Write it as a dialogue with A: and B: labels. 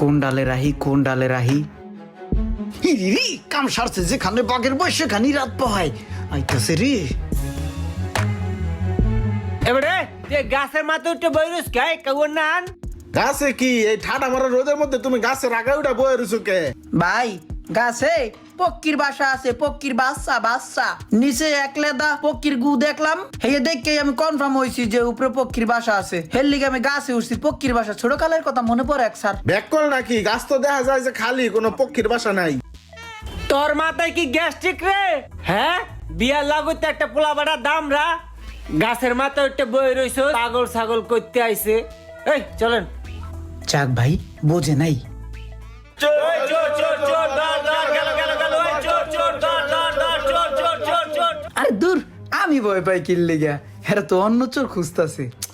A: কোন ডালে রাহি ইরি কাম সারছে যেখানে বাঘের বয়স সেখানে রাত পাহায় আইতাছে রে।
B: এবারে যে গাছের মাথা উঠে বইরুস খাই কেউ নান
C: গাছে কি এই ঠাডা মারা রোদের মধ্যে তুমি গাছের আগা উঠা বয়ে রইছো কে?
A: ভাই গাছে পক্ষীর বাসা আছে, পক্ষীর বাচ্চা বাচ্চা নিচে এক লেদা পক্ষীর গু দেখলাম, হেয়ে দেখে আমি কনফার্ম হয়েছি যে উপরে পক্ষীর বাসা আছে। হের লিগে আমি গাছে উঠছি, পক্ষীর বাসা ছোট কালের কথা মনে পড়ে এক স্যার।
C: ব্যাককল নাকি? গাছ তো দেখা যায় যে খালি, কোনো পক্ষীর বাসা নাই।
B: তোর মাথায় কি গ্যাস্ট্রিক রে? হ্যাঁ বিয়ার লাগুতে একটা পোলা বাড়া দামরা গাছের মাথা উঠে বই রইছো পাগল ছাগল করতে আইছে। এই চলেন
A: যাক ভাই বোঝে নাই। আরে দূর আমি ভয় পাই কিল লিগা, এরা তো অন্য চোর খুঁজতাছে।